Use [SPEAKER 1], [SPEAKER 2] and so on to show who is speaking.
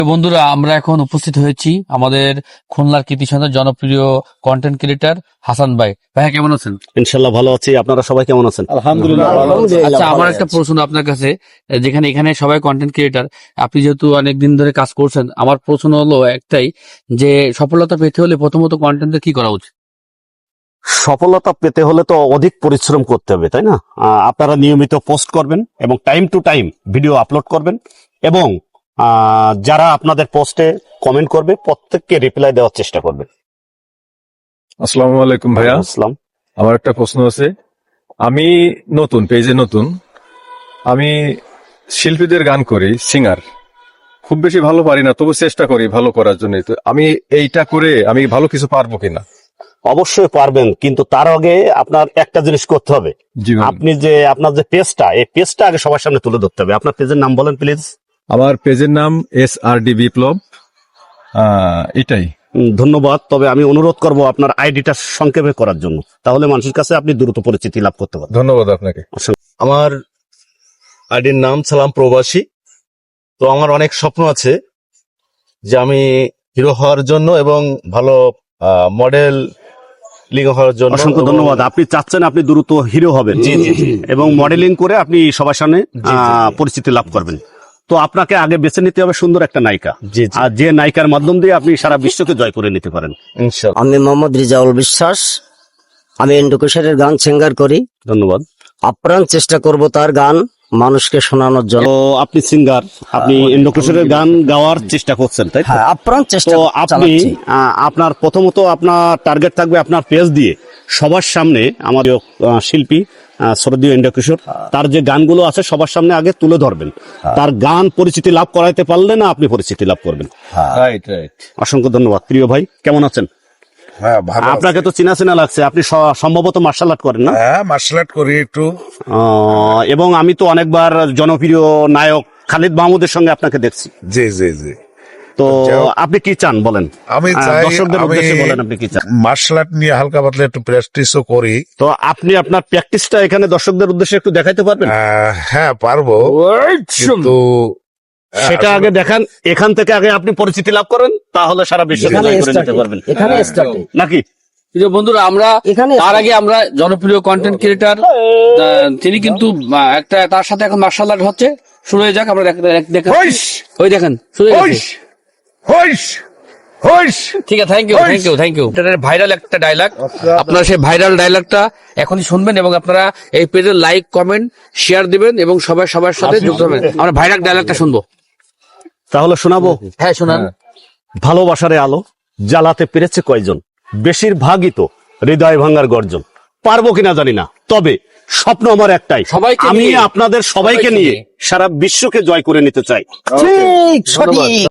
[SPEAKER 1] বন্ধুরা, আমরা এখন উপস্থিত হয়েছি আমাদের খুলনার কৃতি সন্তান জনপ্রিয় কন্টেন্ট ক্রিয়েটর হাসান ভাই। ভাইয়া কেমন আছেন?
[SPEAKER 2] ইনশাল্লাহ ভালো আছি। আপনারা সবাই কেমন আছেন?
[SPEAKER 3] আলহামদুলিল্লাহ ভালো আছি।
[SPEAKER 1] আচ্ছা, আমার একটা প্রশ্ন আপনার কাছে, যেখানে এখানে সবাই কন্টেন্ট ক্রিয়েটর, আপনি যেহেতু অনেকদিন ধরে কাজ করছেন, আমার প্রশ্ন হলো একটাই, যে সফলতা পেতে হলে প্রথমত কন্টেন্টের কি করা উচিত?
[SPEAKER 2] সফলতা পেতে হলে তো অধিক পরিশ্রম করতে হবে, তাই না? আপনারা নিয়মিত পোস্ট করবেন এবং time to time video upload করবেন এবং যারা আপনাদের পোস্টে কমেন্ট করবে প্রত্যেককে রিপ্লাই দেওয়ার চেষ্টা করবেন।
[SPEAKER 3] আসসালামু আলাইকুম ভাইয়া।
[SPEAKER 2] আসসালাম।
[SPEAKER 3] আমার একটা প্রশ্ন আছে। আমি নতুন পেজে নতুন, আমি শিল্পীদের গান করি, সিঙ্গার। খুব বেশি ভালো পারি না, তবু চেষ্টা করি ভালো করার জন্য। তো আমি এইটা করে আমি ভালো কিছু পারবো কিনা?
[SPEAKER 2] অবশ্যই পারবেন, কিন্তু তার আগে আপনার একটা জিনিস করতে হবে।
[SPEAKER 3] জি ভাই।
[SPEAKER 2] আপনি যে আপনার যে পেজটা, এই পেজটা আগে সবার সামনে তুলে ধরতে হবে। আপনার পেজের নাম বলেন প্লিজ।
[SPEAKER 3] আমার পেজের নাম SRD বিপ্লব। এটাই।
[SPEAKER 2] ধন্যবাদ। তবে আমি অনুরোধ করব আপনার আইডিটা সংক্ষেপে করার জন্য, তাহলে মানুষের কাছে আপনি দ্রুত পরিচিতি লাভ করতে পারবেন।
[SPEAKER 3] ধন্যবাদ আপনাকে।
[SPEAKER 4] আমার আইডির নাম সালাম প্রবাসী। তো আমার অনেক স্বপ্ন আছে যে আমি হিরো হওয়ার জন্য এবং ভালো মডেল হওয়ার জন্য।
[SPEAKER 2] অসংখ্য ধন্যবাদ। আপনি চাচ্ছেন আপনি দ্রুত হিরো হবেন এবং মডেলিং করে আপনি সবার সামনে পরিচিতি লাভ করবেন। তো আপনাকে আগে বেছে নিতে হবে সুন্দর একটা নায়িকা, আর যে নায়িকার মাধ্যম দিয়ে আপনি সারা বিশ্বকে জয় করে নিতে পারেন
[SPEAKER 4] ইনশাআল্লাহ।
[SPEAKER 5] আমি মোহাম্মদ রিজাউল বিশ্বাস। আমি এন্ডোকেশনের গান সিঙ্গার করি।
[SPEAKER 2] ধন্যবাদ।
[SPEAKER 5] আপ্রাণ চেষ্টা করব তার গান মানুষকে শোনানোর জন্য।
[SPEAKER 2] তো আপনি সিঙ্গার, আপনি ইন্দ্রকিশোরের গান গাওয়ার চেষ্টা করছেন, তাই তো?
[SPEAKER 5] হ্যাঁ, আপ্রাণ চেষ্টা
[SPEAKER 2] তো আপনি
[SPEAKER 5] চালাচ্ছি।
[SPEAKER 2] আপনার প্রথমত আপনার টার্গেট থাকবে আপনার পেজ দিয়ে সবার সামনে আমার শিল্পী শরদীয় ইন্দ্রকিশোর, তার যে গানগুলো আছে সবার সামনে আগে তুলে ধরবেন। তার গান পরিচিতি লাভ করাইতে পারলে না আপনি পরিচিতি লাভ করবেন।
[SPEAKER 4] Right right.
[SPEAKER 2] অসংখ্য ধন্যবাদ। প্রিয় ভাই, কেমন আছেন?
[SPEAKER 6] হ্যাঁ ভালো।
[SPEAKER 2] আপনাকে তো চেনা চেনা লাগছে। আপনি সম্ভবত মার্শাল আর্ট করেন না?
[SPEAKER 6] হ্যাঁ মার্শাল আর্ট করি একটু।
[SPEAKER 2] এবং আমি তো অনেকবার জনপ্রিয় নায়ক খালিদ মাহমুদের সঙ্গে আপনাকে দেখছি।
[SPEAKER 6] জি জি জি।
[SPEAKER 2] তো আপনি কি চান বলেন?
[SPEAKER 6] আমি চাই
[SPEAKER 2] দর্শকদের
[SPEAKER 6] আমি
[SPEAKER 2] উদ্দেশ্যে বলেন আপনি কি চান।
[SPEAKER 6] মার্শাল আর্ট নিয়ে হালকা পাতলা একটু প্র্যাকটিসও করি।
[SPEAKER 2] তো আপনি আপনার প্র্যাকটিসটা এখানে দর্শকদের উদ্দেশ্যে একটু দেখাইতে পারবেন?
[SPEAKER 6] হ্যাঁ পারবো, কিন্তু
[SPEAKER 2] সেটা আগে দেখান। এখান থেকে আগে আপনি পরিচিতি লাভ করেন, তাহলে সারা বিশ্ব
[SPEAKER 5] এখানে
[SPEAKER 2] জয় করে
[SPEAKER 5] start
[SPEAKER 2] নিতে পারবেন।
[SPEAKER 5] এখানে স্টার্ট
[SPEAKER 2] নাকি?
[SPEAKER 1] প্রিয় বন্ধুরা, আমরা
[SPEAKER 5] এখানে
[SPEAKER 1] তার আগে আমরা জনপ্রিয় কন্টেন্ট ক্রিয়েটর, তিনি কিন্তু একটা তার সাথে এখন মার্শাল আর্ট হচ্ছে। শুরু হয়ে যাক, আমরা দেখেন, ওই দেখেন শুরু হয়ে গেছে। ঠিক আছে, থ্যাংক ইউ। এটা ভাইরাল একটা ডায়লগ, আপনারা সেই ভাইরাল ডায়লগটা এখনই শুনবেন এবং আপনারা এই পেজে লাইক, কমেন্ট, শেয়ার দিবেন এবং সবার সাথে যুক্ত হবেন। আমরা ভাইরাল ডায়লগটা শুনবো।
[SPEAKER 2] তাহলে শোনাবো।
[SPEAKER 1] হ্যাঁ, শোনান।
[SPEAKER 2] ভালোবাসারে আলো জ্বালাতে পেরেছে কয়জন, বেশিরভাগই তো হৃদয় ভাঙার গর্জন। পারবো কিনা জানি না, তবে স্বপ্ন আমার একটাই,
[SPEAKER 1] সবাইকে
[SPEAKER 2] আমি
[SPEAKER 1] নিয়ে,
[SPEAKER 2] আপনাদের সবাইকে নিয়ে সারা বিশ্বকে জয় করে নিতে চাই।
[SPEAKER 5] ঠিক সঠিক।